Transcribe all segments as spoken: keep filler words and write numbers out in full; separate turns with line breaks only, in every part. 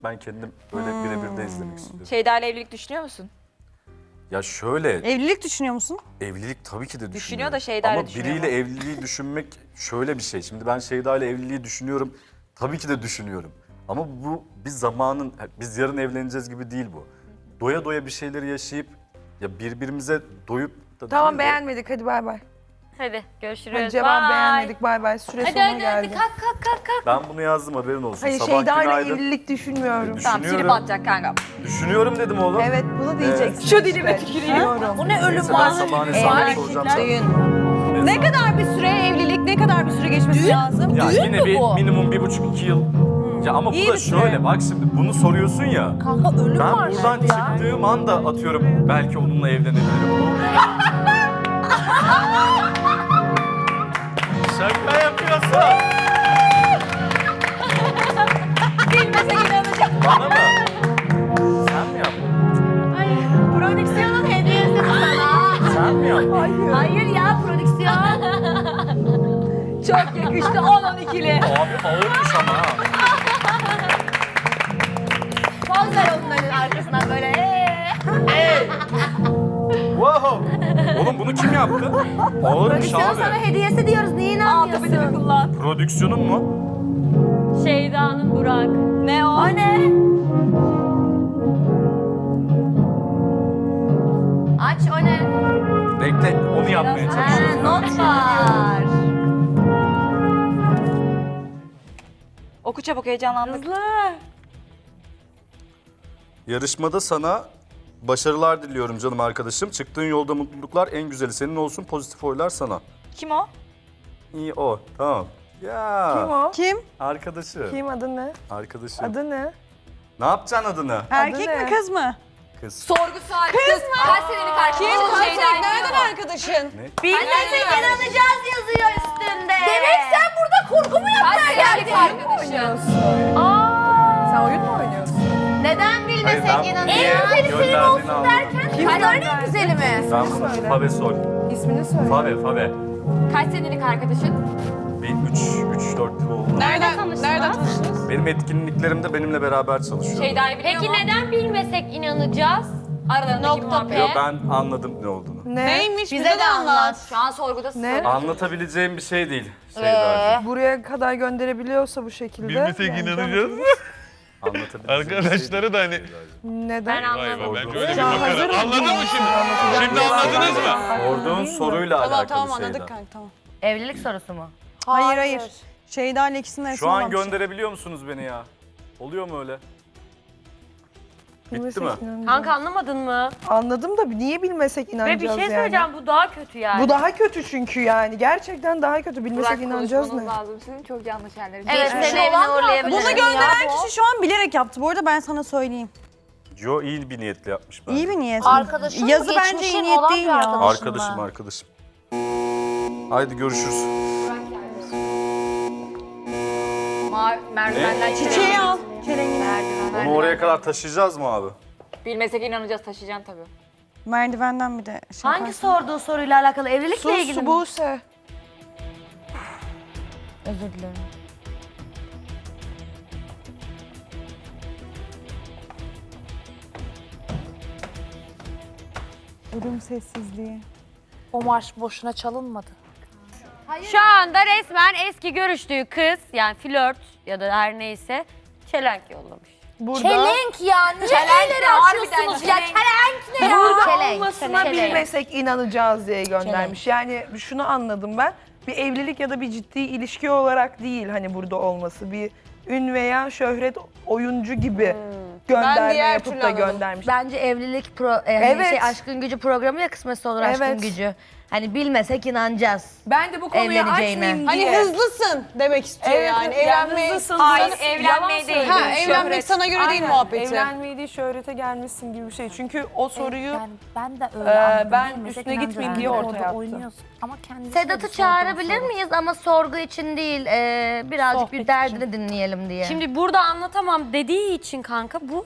Ben kendim böyle hmm. birebir de izlemek istiyorum.
Şeyda ile evlilik düşünüyor musun?
Ya şöyle...
Evlilik düşünüyor musun?
Evlilik tabii ki de düşünüyorum.
Düşünüyor da Şeyda ile düşünüyor
Ama biriyle evliliği düşünmek şöyle bir şey. Şimdi ben Şeyda ile evliliği düşünüyorum. Tabii ki de düşünüyorum. Ama bu biz zamanın, biz yarın evleneceğiz gibi değil bu. Doya doya bir şeyleri yaşayıp ya birbirimize doyup da
Tamam
değil,
beğenmedik hadi bay bay.
Hadi görüşürüz.
Hadi cevap
Bye.
beğenmedik bay bay. Süre
Hadi
sonuna
hadi
geldi.
hadi kalk kalk kalk kalk.
Ben bunu yazdım haberin olsun.
Hayır
Sabah
Şeyda ile
günaydın.
evlilik düşünmüyorum.
Tamam silip atacak kanka.
Düşünüyorum dedim oğlum.
Evet bunu diyeceksin.
Şu dilime
işte.
tüküreyim.
Düşünüyorum.
O ne ölüm
Neyse, ben
var?
sabahın hesabını soracağım sana.
Ne kadar bir süre evlilik, ne kadar bir süre geçmesi lazım?
Ya
Düğün
yine
mü
bir
bu?
minimum bir buçuk iki yıl. Ya ama
İyi
bu da
bir süre.
şöyle bak şimdi bunu soruyorsun ya.
Kanka ölüm
Ben
var
buradan
şimdi ya.
çıktığım anda atıyorum belki onunla evlenebilirim. Şaka yapıyorsun.
Bilmese inanacağım.
Bana mı? Sen mi yaptın?
Ay, prodüksiyonun hediyesi bu sana.
Sen mi yaptın?
Hayır.
Hayır ya prodüksiyon. Çok yakıştı on on ikili.
Abi ağırmış ama ha.
Poz ver onların arkasından böyle. Ee.
Wow. Oğlum bunu kim yaptı? Ağırmış
Prodüksiyon sana
abi.
hediyesi diyoruz niye inanmıyorsun? Altı bir kullan.
Prodüksiyonun mu?
Şeyda'nın Burak. Ne o? O ne? Aç o ne?
Bekle onu yapmaya
Ha,
çalışıyorum.
not var. Oku çabuk heyecanlandık.
Yarışmada sana başarılar diliyorum canım arkadaşım. Çıktığın yolda mutluluklar en güzeli senin olsun. Pozitif oylar sana.
Kim o?
İyi o. Tamam. Ya.
Kim o?
Kim?
Arkadaşı.
Kim adı ne?
Arkadaşı.
Adı ne?
Ne yapacaksın adını?
Erkek
ne?
mi kız mı?
Kız.
Sorgu saati. Kız mı? Kaç senelik arkadaşın?
Kim?
Şeyda
Kaç?
ile
Nereden
o.
arkadaşın?
Bilmesek inanacağız yazıyor üstünde. Demek sen burada kurgu mu yapmaya geldin?
Oynuyorsun.
Aa.
Sen oyun mu oynuyorsun?
Neden
Hayır,
bilmesek
ben
inanacağız?
niye
En güzeli senin
gönderdiğini
olsun
anladım.
derken
Kim
kaç tane
gönderdi?
güzeli mi?
Ben
İsmini
bunu
söyle.
Fave Sol.
İsmini söyle.
Fave, Fave.
Kaç senelik arkadaşın?
Bir üç, üç, dört yıl oldu.
Nereden, nereden tanıştınız?
Benim etkinliklerimde benimle beraber çalışıyor.
Şeyda'yı biliyor
Peki
mu?
neden bilmesek inanacağız?
Aralarındaki
Nokta
muhabbet.
Yo, ben anladım ne olduğunu.
Ne?
Neymiş?
Bize de anlat. Şu an sorgudasın.
Ne?
Anlatabileceğim bir şey değil. Şeydacığım.
Buraya kadar gönderebiliyorsa bu şekilde.
Bilmesek
yani
inanacağız.
Anlatabileceğim bir
Arkadaşları
şey
da hani-
değil Şeydacığım.
Neden?
Ben
Vay be
anlamadım.
bence öyle bir
Sen hazır
makara.
mısın?
Anladın mı şimdi? Şimdi anladınız mı?
Sorduğun soruyla
Tamam
alakalı
tamam
Şeyda.
anladık kanka tamam.
Evlilik sorusu mu?
Hayır hayır. Şeyda ile ikisinin arasında
Şu an
olan bir şey.
gönderebiliyor musunuz beni ya? Oluyor mu öyle? Bitti
Bilmesek
mi?
inanacağız.
Kanka anlamadın mı?
Anladım da niye bilmesek
Ve
inanacağız
bir şey
yani?
söyleyeceğim bu daha kötü yani.
Bu daha kötü çünkü yani. Gerçekten daha kötü. Bilmesek inanacağız ne?
lazım. Sizin çok yanlış yerleriniz.
Evet
Geçmiş
seni evine
olan da
uğurlayabilirim.
Bunu gönderen kişi şu an bilerek yaptı. Bu arada ben sana söyleyeyim.
Yo iyi bir niyetle yapmış bence.
İyi bir niyet.
Arkadaşın
Yazı
mı,
bence
geçmişin
iyi niyet
olan
değil
bir
ya.
arkadaşın
Arkadaşım
mı?
arkadaşım. Haydi görüşürüz.
Ma merdivenden
Çiçeği al. Çelengini.
Onu oraya kadar taşıyacağız mı abi?
Bilmesek inanacağız taşıyacaksın tabii.
Merdivenden bir de şey
Hangi
yaparsın.
sorduğu soruyla alakalı? Evlilikle
Sus
ilgili mi?
Buse.
Özür dilerim.
Ölüm sessizliği.
O marş boşuna çalınmadı.
Şu anda resmen eski görüştüğü kız yani flört ya da her neyse çelenk yollamış.
Burada
Çelenk ya. Niye elleri açıyorsunuz ya? Çelenk ne ya?
burada
Çelenk,
olmasına
çelenk.
bilmesek inanacağız diye göndermiş. Yani şunu anladım ben. Bir evlilik ya da bir ciddi ilişki olarak değil hani burada olması. Bir ün veya şöhret oyuncu gibi gönderme
diğer
yapıp
türlü
da
anladım.
göndermiş.
Bence evlilik pro, e, hani
Evet.
şey aşkın gücü programı ya kısmetse olur aşkın
Evet.
gücü. Hani bilmesek inanacağız.
Ben de bu konuyu
Evleneceğine.
açmayayım
Hani
diye.
hızlısın demek istiyor
Evet,
yani.
yani
Evlenmeye...
hızlısın.
Hayır,
Sana-
evlenmeye
yalan
değil.
söylüyorsun.
Ha, evlenmek sana göre değil
Aynen,
muhabbeti.
Evlenmeyi değil şöhrete gelmişsin gibi bir şey. Çünkü o soruyu
Yani ben de öyle
Ee,
anladım.
ben
Bilmesek
üstüne
inanacağız.
gitmeyeyim diye
Yani
ortaya
orada
attım.
oynuyorsun. Ama kendisi
Sedat'ı çağırabilir miyiz ama sorgu için değil, e, birazcık
Sohbet
bir derdini dinleyelim diye.
Şimdi burada anlatamam dediği için kanka bu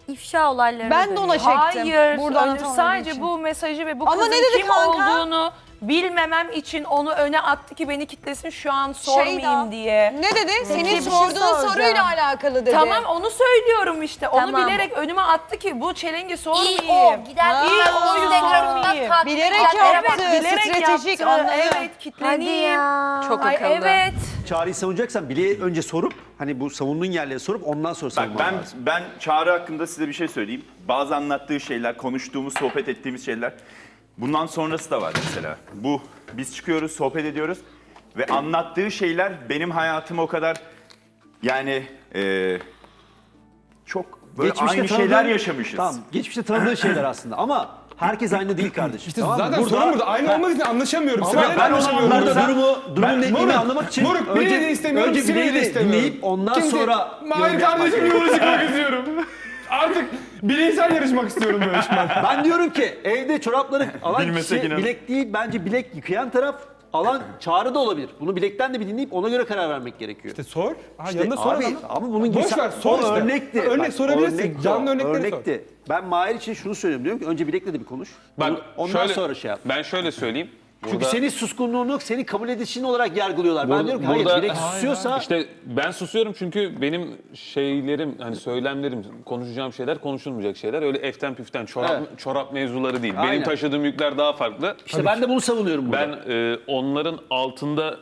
ifşa olaylarına
Ben de ona
dönüyor.
çektim.
Hayır,
Burada
Öncü
anlatamadığı
sadece
için.
bu mesajı ve bu
Ama
kızın
ne dedi
kim
kanka?
olduğunu bilmemem için onu öne attı ki beni kitlesin şu an sormayayım
Şeyda,
diye.
Ne dedi? Senin
bir şey
sorduğun
soracağım.
soruyla alakalı dedi.
Tamam onu söylüyorum işte. Onu
Tamam.
bilerek önüme attı ki bu çelengi
İyi
sormayayım.
o. Gider
İyi
gitmez
o,
Instagram'dan
sormayayım.
takip
Bilerek
edenlere
yaptı.
bak.
Evet, bilerek
stratejik,
yaptı.
anladım.
Evet, kitleneyim.
Çok
Ay evet.
Çağrı'yı savunacaksan bile önce sorup hani bu savunduğun yerleri sorup ondan sonra
Bak
savunman
ben
lazım.
ben Çağrı hakkında size bir şey söyleyeyim. Bazı anlattığı şeyler, konuştuğumuz, sohbet ettiğimiz şeyler. Bundan sonrası da var mesela. Bu biz çıkıyoruz, sohbet ediyoruz ve anlattığı şeyler benim hayatımı o kadar yani e, çok böyle aynı
tanıdığın-
şeyler yaşamışız.
Tamam, geçmişte tanıdığın şeyler aslında ama herkes aynı değil kardeşim.
İşte
tamam mı?
zaten sorun burada. Aynı olmadığı için anlaşamıyorum.
Ama
Sibel'le de
ben o
anlaşamıyorum.
anlarda
Burada.
durumu, durumun
Ben-
netliğini
Moruk,
anlamak için
Moruk, Bileği de istemiyorum,
önce
Sibel'i
bileği
de
de
istemiyorum.
dinleyip ondan
Kimse-
sonra
Mahir
yorum yapmak
kardeşim
gerekiyor.
yola çıkmak istiyorum. Artık bireysel yarışmak istiyorum böyle işimden.
Ben diyorum ki evde çorapları alan
Bilmesek
kişi
inan.
bilek değil, bence bilek yıkayan taraf alan Çağrı da olabilir. Bunu bilekten de bir dinleyip ona göre karar vermek gerekiyor.
İşte sor. Ha,
İşte
yanında sor
abi,
adamı.
ama bunun gibi
Boş
sen-
ver, sor
o
işte.
örnekti.
Örnek
Bak,
sorabilirsin.
örnekti
Canlı
o,
örnekleri sor.
örnekti. Ben Mahir için şunu söylüyorum diyorum ki önce bilekle de bir konuş.
Bak,
Onu- ondan
şöyle-
sonra şey yap.
Ben şöyle söyleyeyim.
Çünkü
Burada-
senin suskunluğunu senin kabul edişin olarak yargılıyorlar. ben
Burada-
diyorum ki hayır
burada-
bilek susuyorsa
İşte ben susuyorum çünkü benim şeylerim, hani söylemlerim, konuşacağım şeyler konuşulmayacak şeyler. Öyle eften püften çorap,
Evet.
çorap mevzuları değil.
Aynen.
Benim taşıdığım yükler daha farklı.
işte ben de bunu savunuyorum burada.
Ben e, onların altında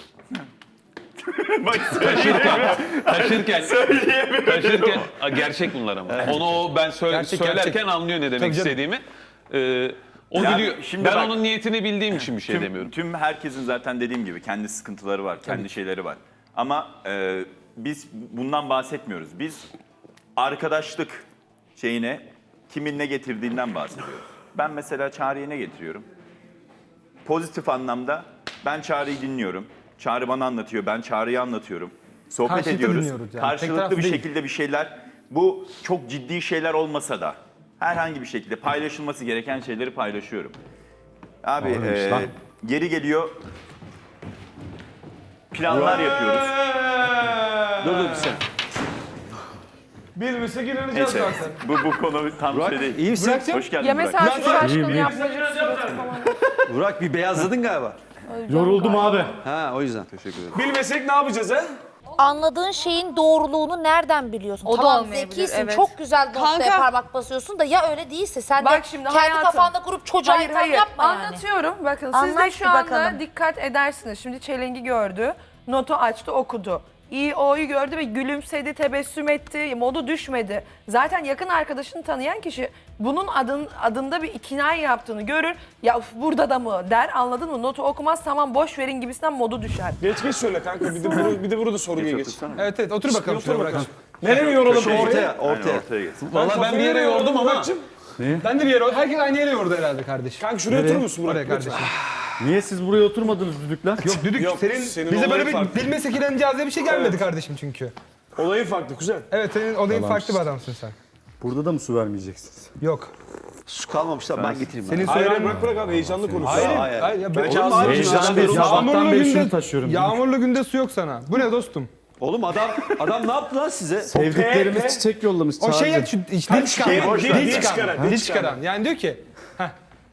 Bak,
taşırken, taşırken, taşırken, Aa, gerçek bunlar ama. Onu o ben söyle-
Gerçek,
söylerken
gerçek.
anlıyor ne demek
Tabii canım.
istediğimi. E, o
Ya
biliyor.
şimdi
Ben
bak-
onun niyetini bildiğim için bir şey
tüm,
demiyorum.
Tüm herkesin zaten dediğim gibi kendi sıkıntıları var, kendi şeyleri var. Ama e, biz bundan bahsetmiyoruz. Biz arkadaşlık şeyine kimin ne getirdiğinden bahsediyoruz. Ben mesela Çağrı'ya ne getiriyorum? Pozitif anlamda ben Çağrı'yı dinliyorum. Çağrı bana anlatıyor, ben Çağrı'yı anlatıyorum. Sohbet
Karşılıklı
ediyoruz.
dinliyoruz yani. Tek
Karşılıklı
taraflı
bir
değil.
şekilde bir şeyler. Bu çok ciddi şeyler olmasa da herhangi bir şekilde paylaşılması gereken şeyleri paylaşıyorum. Abi e, geri geliyor. Planlar yapıyoruz.
Dur dur bir sen.
Bilmesek inanacağız
Neyse
zaten.
bu, bu konu tam şey değil.
İyi misin?
Burak'cığım.
Hoş geldin
Ya
Burak.
mesela şu aşkın yapmacık suratı falan.
Burak bir beyazladın galiba.
Yoruldum abi.
Ha o yüzden. Teşekkür ederim.
Bilmesek ne yapacağız ha?
Anladığın şeyin doğruluğunu nereden biliyorsun?
O da
tamam
olmayabilir,
zekisin,
evet.
çok güzel noktaya
Kanka.
parmak basıyorsun da ya öyle değilse sen
Bak
de
şimdi
kendi
hayatım.
kafanda kurup çocuğa
Hayır
itham
hayır
yapma yani.
anlatıyorum. Bakın siz de
Anlat
şu
bir
anda
bakalım.
dikkat edersiniz. Şimdi çelengi gördü, notu açtı, okudu. İyi o'yu gördü ve gülümsedi, tebessüm etti, modu düşmedi. Zaten yakın arkadaşını tanıyan kişi bunun adın, adında bir ikinay yaptığını görür. Ya uf, burada da mı der, anladın mı? Notu okumaz, tamam boş verin gibisinden modu düşer.
Geç geç söyle kanka. Bir de, buru, bir de burada sorguya geç.
otursana.
Evet evet otur bakalım şuraya Burak'cığım. Nereye mi yoralım?
Şu ortaya,
Aynen,
ortaya.
ortaya gelsin.
Valla ben bir yere yordum ama
Ben de bir yere, herkes aynı yere yordu herhalde kardeşim. Kanka şuraya oturur musun Burak? Oraya kardeşim.
Niye siz buraya oturmadınız düdükler?
Yok düdük
Yok,
senin,
senin
bize böyle
olayın
bir
farklı.
bilmesek inanacağız diye bir şey gelmedi kardeşim çünkü.
Olayın farklı kuzen.
Evet senin olayın
Tamam.
farklı bir adamsın sen.
Burada da mı su vermeyeceksiniz?
Yok.
Su kalmamışlar ben getireyim.
Senin
Hayır hayır
söylemen...
bırak bırak abi heyecanlı konuş.
Hayır,
Hayır,
hayır. hayır. Ya,
Belki
ben-
ağzını
Heyecan
açın.
değil, sabahtan
Yağmurlu
beri
günde,
şunu taşıyorum.
yağmurlu günde su yok sana. Bu ne dostum?
Oğlum adam adam ne yaptı lan size?
Sevdiklerimiz
P-
çiçek yollamış
O şey ya,
Çağrı'cığım.
şu iç- dil çıkaran.
şey, boş ver,
Dil
dil
çıkaran.
çıkaran,
Dil
dil
çıkaran. Yani diyor ki, heh.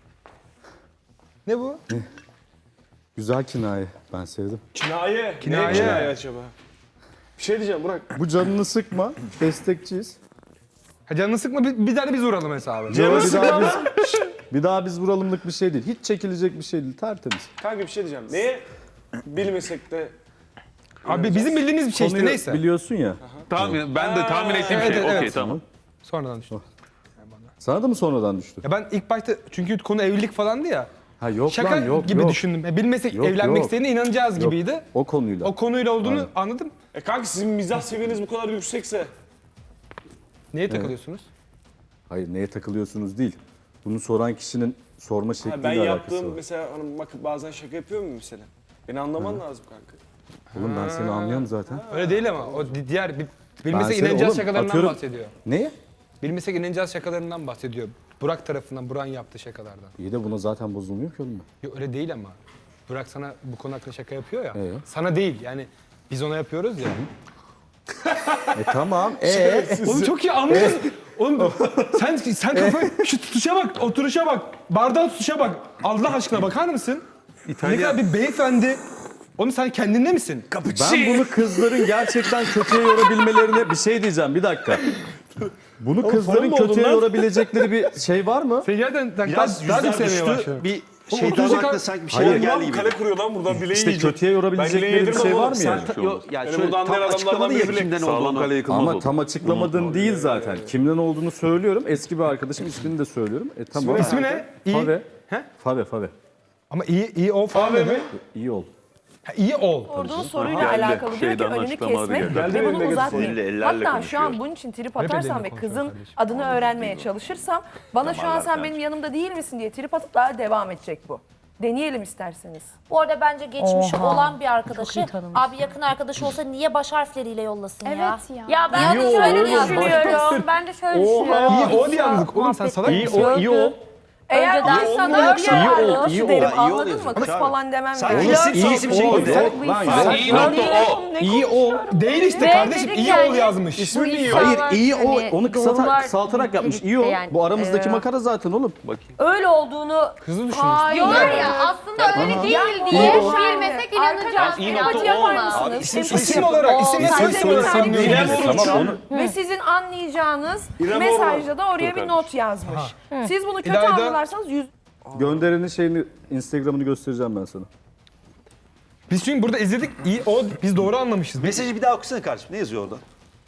Ne bu?
Güzel kinaye. Ben sevdim.
Kinaye.
Kinaye.
Ne kinaye acaba? Bir şey diyeceğim Burak.
Bu canını sıkma. Destekçiyiz.
Ha, canını sıkma bir, bir tane biz vuralım hesabı.
Yo, bir
sıkma
daha biz, bir daha biz vuralımlık bir şey değil. Hiç çekilecek bir şey değil. Tertemiz.
Kanka bir şey diyeceğim. Neye bilmesek de
Abi bizim bildiğimiz bir şey işte
Konuyu
neyse.
biliyorsun ya.
tahmin, ben de tahmin ettiğim
Evet,
şey.
evet,
Okey
evet.
tamam.
Sonradan düştü.
Sana da mı sonradan düştü?
Ya ben ilk başta çünkü konu evlilik falandı ya.
Ha yok
Şaka
lan yok
gibi
yok.
düşündüm. Ya bilmesek
Yok,
evlenmek
yok.
istediğine inanacağız
Yok,
gibiydi.
O konuyla.
O konuyla olduğunu
Aynen.
anladım.
E kanka sizin mizah seviyeniz bu kadar yüksekse
Neye takılıyorsunuz?
Hayır neye takılıyorsunuz değil. Bunu soran kişinin sorma
ha,
şekliyle
ben
alakası
yaptığım
var.
mesela hani bakıp bazen şaka yapıyor muyum mesela? Beni anlaman lazım kanka.
Oğlum ben seni anlıyorum zaten.
Öyle değil ama o di- diğer bir- bilmesek
seni-
inanacağız
oğlum,
şakalarından
atıyorum-
bahsediyor.
Neye?
Bilmesek inanacağız şakalarından bahsediyor. Burak tarafından, Burak'ın yaptığı şakalardan.
İyi de buna zaten bozulmuyor ki oğlum ben.
Yok öyle değil ama. Burak sana bu konu hakkında şaka yapıyor ya.
Ee?
Sana değil yani biz ona yapıyoruz ya.
E tamam. E
Oğlum çok iyi anlıyorsun. Oğlum sen sen kafayı şu tutuşa bak, oturuşa bak, bardağın tutuşa bak. Allah aşkına bakar mısın? Ne kadar bir beyefendi. Oğlum sen kendinde misin?
Ben bunu kızların gerçekten kötüye yorabilmelerine bir şey diyeceğim bir dakika. Bunu kızların
mu oldun
kötüye
lan?
yorabilecekleri bir şey var mı?
Sen gerçekten
Biraz
daha, daha
yüzler
çok sevmeye
düştü.
başladın.
Bir
Oğlum,
şeytan
otuz
aklına sanki bir şeyler
Hayır.
geldi
Lan
gibi.
kale kuruyor lan buradan bileği
İşte
yiyecek.
kötüye
Ben
yorabilecekleri
bileği
bir
yedirmem
şey var
oğlum.
mı
Sen
yani?
Ta- yo- yani
Benim
şöyle
buradan
tam
diğer
açıklamadı
adamlardan
ya
biri
kimden
Sağlam
olduğunu.
kale yıkılmaz
Ama
oldu.
tam açıklamadın değil zaten. Kimden olduğunu söylüyorum. Eski bir arkadaşım, ismini de söylüyorum. E tamam.
İsmi ne? İyi.
Fave.
He?
Fave, Fave.
Ama iyi iyi ol falan mi?
İyi ol.
Ha, iyi ol.
Sorduğun soruyla
Geldi.
alakalı diyor ki
Şeyden
önünü
açıklamaları
kesmek
geldi.
ve bunu
Geldi,
uzatmayayım.
elle- ellerle
Hatta şu an
konuşuyor.
bunun için trip
Hep
atarsam
elle
ve
konuşuyor
kızın
kardeşim.
adını öğrenmeye çalışırsam bana şu an sen benim yanımda değil misin diye trip atıp daha devam edecek bu. Deneyelim isterseniz.
Bu arada bence geçmişi
Oha.
olan bir arkadaşı,
iyi tanımış.
abi yakın arkadaşı olsa niye baş harfleriyle yollasın ya?
Evet ya.
Ya ben de
İyi
şöyle
ol,
düşünüyorum. Ben de şöyle düşünüyorum.
İyi ol yalnız. Oğlum sen salak
İyi
mısın?
ol, iyi ol.
Eğer
Önceden
ben sana
iyi
bir
ol,
ol,
iyi ol.
derim
Ha, iyi ol
anladın mı?
yazıyor.
Kız
Çağrı.
falan demem
Sen
yani.
iyisin,
İyi
iyisin bir şey
ol.
gibi.
Yok lan yok.
İyi ol. İyi ol. Değil işte
Ve
kardeşim.
dedik
İyi
yani,
ol yazmış.
İsmi iyi
Hayır
İnsanlar
iyi ol.
hani
Onu kısata,
doğrular
kısaltarak yapmış. İyi ol.
birlikte yani.
Bu aramızdaki
Ee,
makara zaten oğlum.
Öyle olduğunu
Kızı düşünmüş.
diyorlar ya aslında öyle değil diye bilmesek inanacağız.
İyi
falan.
nokta o.
Abi isim
İsim olarak isim
İsim
nasıl söylesem
İrem
bilmiyorum.
Tamam onu.
Ve sizin anlayacağınız
İrem
mesajda da oraya
Dur
bir
kardeşim.
not yazmış. Siz bunu kötü
İlayda-
anlarsanız yüz...
Gönderenin şeyini, Instagram'ını göstereceğim ben sana.
Biz çünkü burada izledik. İyi o biz doğru anlamışız.
Mesajı bir daha okusana kardeşim. Ne yazıyor orada?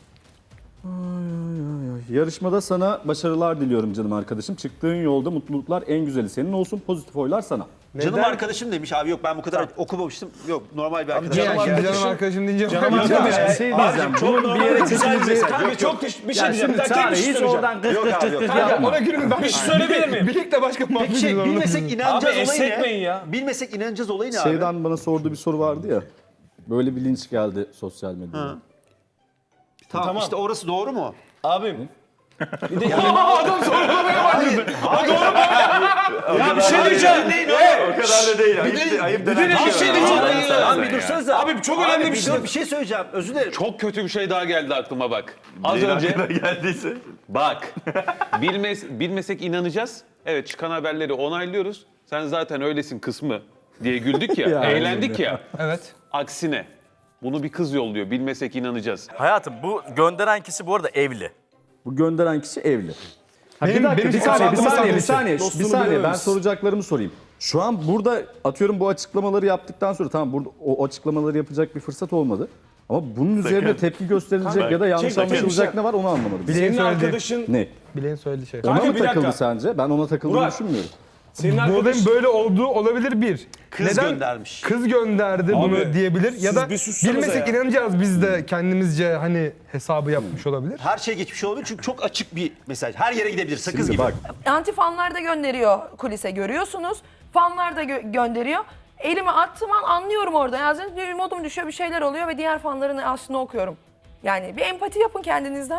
Yarışmada sana başarılar diliyorum canım arkadaşım. Çıktığın yolda mutluluklar en güzeli senin olsun. Pozitif oylar sana.
Canım arkadaşım demiş abi, yok ben bu kadar okumamıştım. Yok normal bir arkadaşım.
Yani şimdi canım arkadaşım deyince
Canım
Ya
arkadaşım.
bir şey diyeceğim. Bunun bir yere çekileceği...
Kanka çok teş- bir şey
Ya
diyeceğim.
şimdi
Bir dakika,
Çağrı
tek bir şey
hiç
söyleyeceğim.
oradan kız
Yok
kız
abi,
kız
yok.
kız
Kanka,
yapma.
ona gülün ben.
Bir şey söyleyebilir miyim?
Birlikte başka muhabbet
Peki şey,
ediyoruz.
bilmesek inanacağız
Abi,
olayı
esnetmeyin
ne?
ya.
Bilmesek inanacağız olayı ne abi?
Şeyden bana sorduğu bir soru vardı ya. Böyle bir linç geldi sosyal medyada.
Tamam,
Tamam.
işte orası doğru mu?
Abim. Bir de
Adam sorgulamaya başladı.
ya bir şey diyeceğim.
O kadar da değil. Ayıp, ayıp denen
Bir şey diyeceğim.
Abi bir dursanıza.
Abi çok önemli
Abi,
bir şey.
dur, bir şey söyleyeceğim. Özür dilerim.
Çok kötü bir şey daha geldi aklıma bak. Az
Neyin
önce
aklına geldiyse.
bak. Bilmez, bilmesek inanacağız. Evet, çıkan haberleri onaylıyoruz. Sen zaten öylesin kısmı diye güldük ya,
Ya,
eğlendik ya.
Evet.
Aksine bunu bir kız yolluyor. Bilmesek inanacağız.
Hayatım bu gönderen kişi bu arada evli. Bu gönderen kişi evli. Ha,
Benim-
bir dakika,
benim
bir saniye, bir
hesabıma
saniye, bir
sadece
saniye, bir
dostunu
saniye. Ben
bilememiş.
soracaklarımı sorayım. Şu an burada atıyorum bu açıklamaları yaptıktan sonra tamam burada o açıklamaları yapacak bir fırsat olmadı. Ama bunun üzerine tepki gösterilecek ya da yanlış
Çek bakayım
anlaşılacak
sen.
ne var onu anlamadım.
Bileğin
Senin
söylediği.
arkadaşın,
Ne?
Bileğin söylediği şey.
Ona
Kanka,
mı
bir dakika.
takıldı sence? Ben ona takıldığını
Burak.
düşünmüyorum.
senin
Bu
arkadaşın.
olayın böyle olduğu olabilir bir.
Kız
Neden?
göndermiş.
Kız gönderdi bunu diyebilir ya
siz
da
bir sussanıza
bilmesek
ya.
inanacağız biz de kendimizce hani hesabı yapmış olabilir.
Her şey geçmiş olabilir çünkü çok açık bir mesaj. Her yere gidebilir, sakız
Şimdi
gibi.
bak
Anti fanlar da gönderiyor kulise görüyorsunuz. Fanlar da gö- gönderiyor. Elimi attığım an anlıyorum orada. Yani bir modum düşüyor, bir şeyler oluyor ve diğer fanların aslında okuyorum. Yani bir empati yapın kendinizden.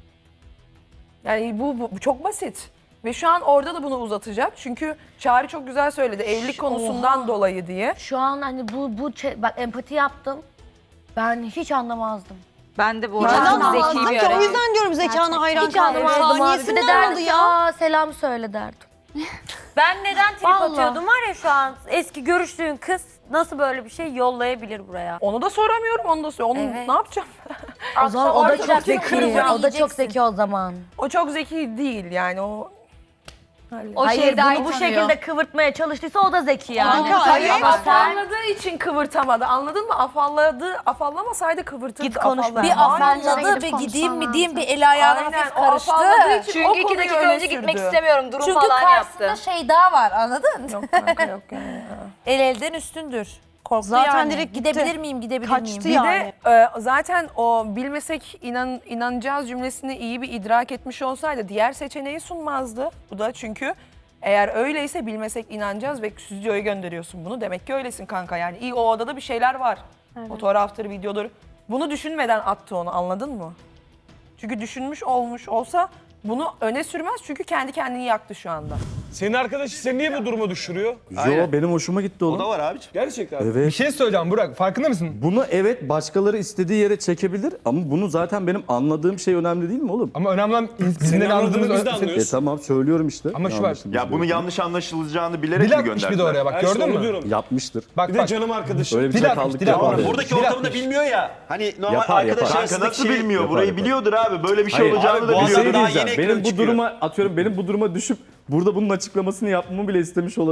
Yani bu, bu, bu çok basit. Ve şu an orada da bunu uzatacak. Çünkü Çağrı çok güzel söyledi. Evlilik konusundan dolayı diye.
Şu an hani bu bu çe- bak empati yaptım. Ben hiç anlamazdım.
Ben de bu
arada
arada
çok
zeki
zeki
bir
bir
hareket.
O
yüzden diyorum zekana hayran
Hiç anlamazdım abi. Bir de
Saniyesinden
derdim
oldu
ki,
ya.
aa selam söyle derdim.
Ben neden trip
Vallahi.
atıyordum var ya şu an eski görüştüğün kız nasıl böyle bir şey yollayabilir buraya?
Onu da soramıyorum, onu da soruyorum. Onu
Evet.
ne yapacağım?
O zaman o da
Arkadaşlar
çok zeki.
kıracağım,
O da çok
yiyeceksin.
zeki o zaman.
O çok zeki değil yani o...
O
Hayır
Şeyda'yı
bunu bu
tanıyor.
şekilde kıvırtmaya çalıştıysa o da zeki yani.
Kanka,
Hayır,
evet.
afalladığı için kıvırtamadı. Anladın mı? Afalladı, afallamasaydı kıvırtırdı.
Git konuş
afalladı.
ben.
Bir
Aynen.
afalladı bir gideyim mi diyeyim bir el ayağına
Aynen,
hafif
o
karıştı.
afalladığı için o
Çünkü iki
konuyu
dakika
öne
önce gitmek
sürdü.
istemiyorum durum
Çünkü
falan
karşısında
yaptı.
şey daha var anladın?
Yok kanka yok yani.
El elden üstündür. Korktu
Zaten
yani.
direkt gitti.
Gidebilir miyim gidebilir
Kaçtı
miyim?
Bir
yani.
de e, zaten o bilmesek inan, inanacağız cümlesini iyi bir idrak etmiş olsaydı diğer seçeneği sunmazdı. Bu da çünkü eğer öyleyse bilmesek inanacağız ve stüdyoya gönderiyorsun bunu. Demek ki öylesin kanka yani. İyi o odada bir şeyler var. Fotoğraftır, videodur. Bunu düşünmeden attı onu anladın mı? Çünkü düşünmüş olmuş olsa bunu öne sürmez çünkü kendi kendini yaktı şu anda.
Senin arkadaşın seni niye bu duruma düşürüyor?
Yo benim hoşuma gitti oğlum.
O da var abiciğim.
Gerçekten.
Bir
Evet.
şey söyleyeceğim Burak, farkında mısın?
Bunu evet başkaları istediği yere çekebilir ama bunu zaten benim anladığım şey önemli değil mi oğlum?
Ama önemli olan bizim
Senin
de
anladığını
anladığımız...
biz de
E
anlıyoruz.
tamam söylüyorum işte.
Ama şu var.
Yanlışımız
Ya bunu
yok.
yanlış anlaşılacağını bilerek
Dil
mi
atmış bir de
gönderdiler?
oraya bak,
Ben işte
gördün
onu
mü?
diyorum.
Yapmıştır.
Bak
Bir de
bak.
canım arkadaşım.
Öyle bir
Dil atmış,
çakallık
dil
yapar.
atmış.
ya.
Buradaki
Dil
ortamı da
atmış.
bilmiyor ya. Hani normal
Yapar, yapar.
arkadaş
Kanka
arasındaki
nasıl
şey...
bilmiyor?
Yapar,
Burayı
yapar.
biliyordur abi. Böyle bir şey
Hayır,
olacağını
abi,
da
bu
Bir
adam
şey
biliyordur.
daha
diyeceğim.
yeni
Benim
ekranı
bu
çıkıyor.
duruma atıyorum benim bu duruma düşüp burada bunun açıklamasını yapmamı bile istemiş olabilir.